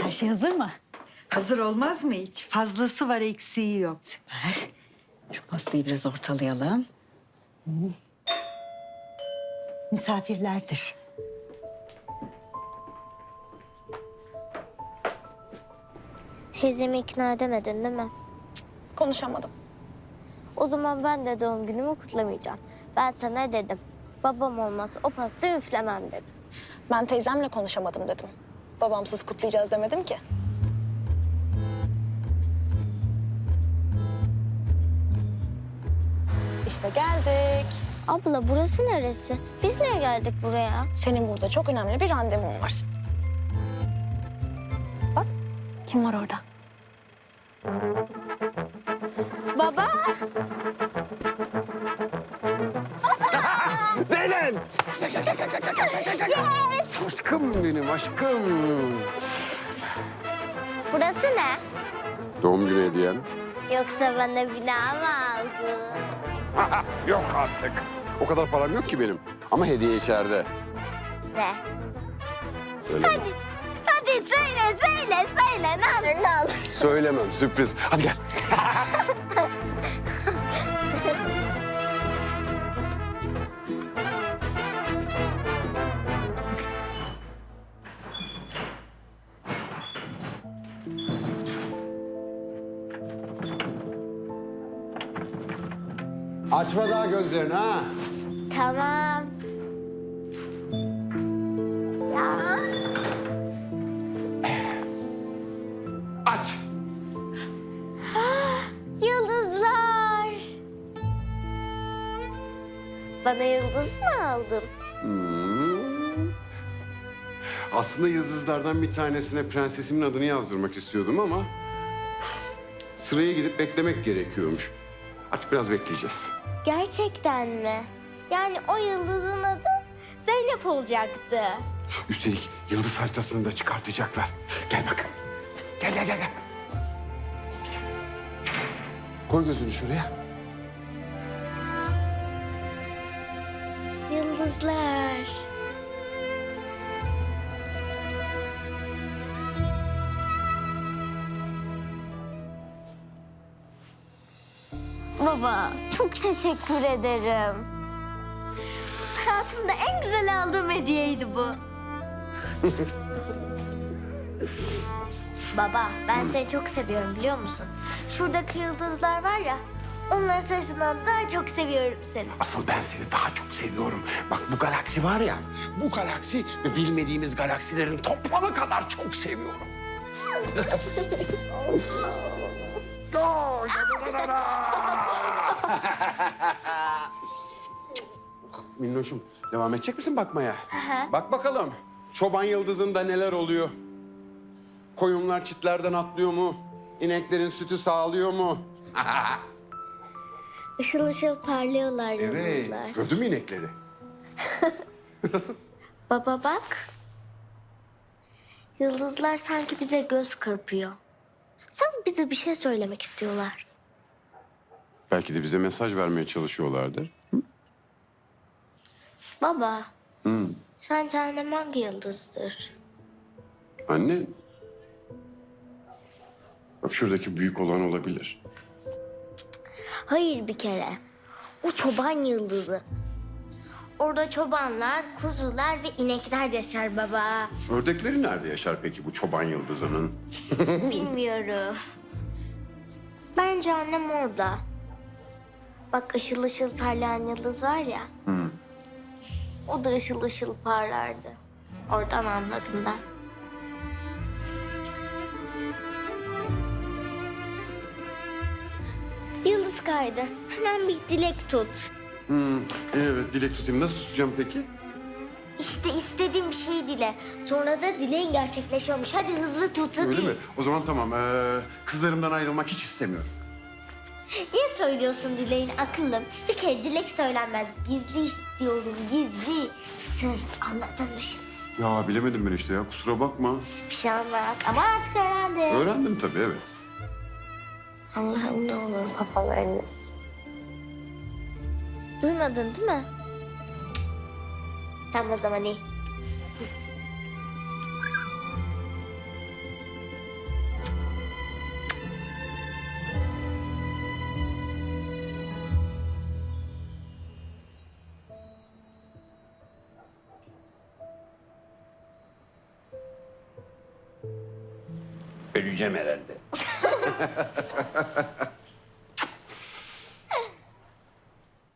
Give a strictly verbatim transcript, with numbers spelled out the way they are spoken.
Her şey hazır mı? Hazır olmaz mı hiç? Fazlası var, eksiği yok. Süper. Şu pastayı biraz ortalayalım. Misafirlerdir. Teyzemi ikna edemedin değil mi? Konuşamadım. O zaman ben de doğum günümü kutlamayacağım. Ben sana dedim. Babam olmazsa o pastayı üflemem dedim. Ben teyzemle konuşamadım dedim. Babamsız kutlayacağız demedim ki. İşte geldik. Abla burası neresi? Biz niye geldik buraya? Senin burada çok önemli bir randevun var. Bak, kim var orada? Baba! Zeynep! Gel, gel, gel, gel, gel, gel, gel, gel, gel. Aşkım benim, aşkım. Burası ne? Doğum günü hediyen. Yoksa bana bina mı aldın? Yok artık. O kadar param yok ki benim. Ama hediye içeride. Ne? Söyle. Hadi, hadi söyle, söyle, söyle. Ne olur, ne olur. Söylemem, sürpriz. Hadi gel. Açma daha gözlerini ha. Tamam. Ya. Aç. Yıldızlar. Bana yıldız mı aldın? Hmm. Aslında yıldızlardan bir tanesine prensesimin adını yazdırmak istiyordum ama... sıraya gidip beklemek gerekiyormuş. Artık biraz bekleyeceğiz. Gerçekten mi? Yani o yıldızın adı Zeynep olacaktı. Üstelik yıldız haritasını da çıkartacaklar. Gel bak. Gel, gel, gel, gel. Koy gözünü şuraya. Yıldızlar. Baba, çok teşekkür ederim. Hayatımda en güzel aldığım hediyeydi bu. Baba, ben seni çok seviyorum biliyor musun? Şuradaki yıldızlar var ya, onların sayısından daha çok seviyorum seni. Asıl ben seni daha çok seviyorum. Bak bu galaksi var ya, bu galaksi ve bilmediğimiz galaksilerin toplamı kadar çok seviyorum. Minnoşum, devam edecek misin bakmaya? Bak bakalım, çoban yıldızında neler oluyor? Koyunlar çitlerden atlıyor mu? İneklerin sütü sağlıyor mu? Işıl ışıl parlıyorlar yıldızlar. Gördün mü inekleri? Baba bak. Yıldızlar sanki bize göz kırpıyor. Sanki bize bir şey söylemek istiyorlar. Belki de bize mesaj vermeye çalışıyorlardır. Baba, Hı. sence annem hangi yıldızdır? Anne. Bak şuradaki büyük olan olabilir. Hayır bir kere. O çoban yıldızı. Orada çobanlar, kuzular ve inekler yaşar baba. Ördekleri nerede yaşar peki bu çoban yıldızının? Bilmiyorum. Bence annem orada. Bak ışıl ışıl parlayan yıldız var ya. Hı. O da ışıl ışıl parlardı. Oradan anladım ben. Yıldız kaydı. Hemen bir dilek tut. Hmm, evet, dilek tutayım. Nasıl tutacağım peki? İşte istediğim bir şey dile. Sonra da dileğin gerçekleşiyormuş. Hadi hızlı tut hadi. Öyle mi? O zaman tamam. Ee, kızlarımdan ayrılmak hiç istemiyorum. Niye söylüyorsun dileğini akıllım? Bir kere dilek söylenmez. Gizli istiyorum gizli. Sır anladın mı şimdi? Ya bilemedim ben işte ya. Kusura bakma. Bir şey olmaz ama artık öğrendim. Öğrendim tabii, evet. Allah'ım ne olur babalarınız. Duymadın değil mi? Tam o zaman iyi. yürüyeceğim herhalde.